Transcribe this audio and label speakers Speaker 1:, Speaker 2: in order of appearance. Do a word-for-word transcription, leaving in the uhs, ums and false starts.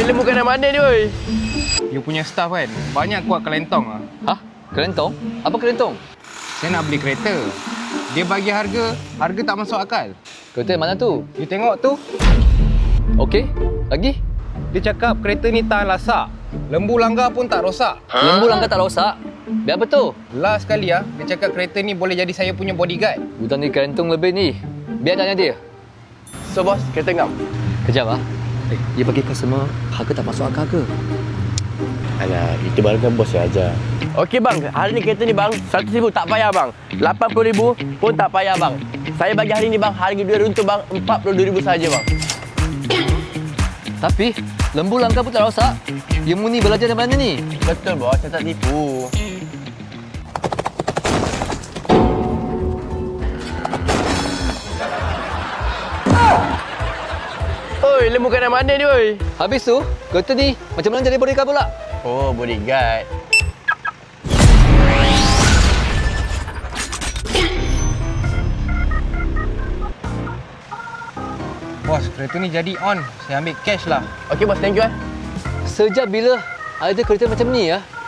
Speaker 1: ilmu kat mana ni, oi?
Speaker 2: You punya staff kan, banyak kuat kelentong lah.
Speaker 3: Hah? Kelentong? Apa kelentong?
Speaker 2: Saya nak beli kereta. Dia bagi harga, harga tak masuk akal.
Speaker 3: Kereta mana tu?
Speaker 2: You tengok tu,
Speaker 3: Okey, lagi?
Speaker 2: dia cakap kereta ni tahan lasak. Lembu langgar pun tak rosak.
Speaker 3: Lembu langgar tak rosak? Biar apa tu?
Speaker 2: Last sekali ah, dia cakap kereta ni boleh jadi saya punya bodyguard.
Speaker 3: Hutang ni kelentong lebih ni. Biar tanya dia.
Speaker 1: So, bos, kereta ngam.
Speaker 3: Kejap ah. Eh, dia bagi customer harga tak masuk akal ke?
Speaker 4: Alah, itu baru kan bos yang ajar.
Speaker 1: Okey, bang. Hari ni kereta ni, bang, seratus ribu tak payah, bang. lapan puluh ribu pun tak payah, bang. Saya bagi hari ni, bang, harga dua runtuh, bang, empat puluh dua ribu saja, bang.
Speaker 3: Tapi lembu langgar pun tak rosak. Ilmu ni belajar dari mana ni?
Speaker 1: Betul, bos. Saya tak tipu. Oi, lembu kat mana ni, oi?
Speaker 3: Habis tu, kereta ni macam mana jadi bodyguard pula?
Speaker 1: Oh, bodyguard.
Speaker 2: Bos, kereta ni jadi on. Saya ambil cash lah.
Speaker 1: Okey, bos. Thank you, eh.
Speaker 3: Sejak bila ada kereta macam ni ya?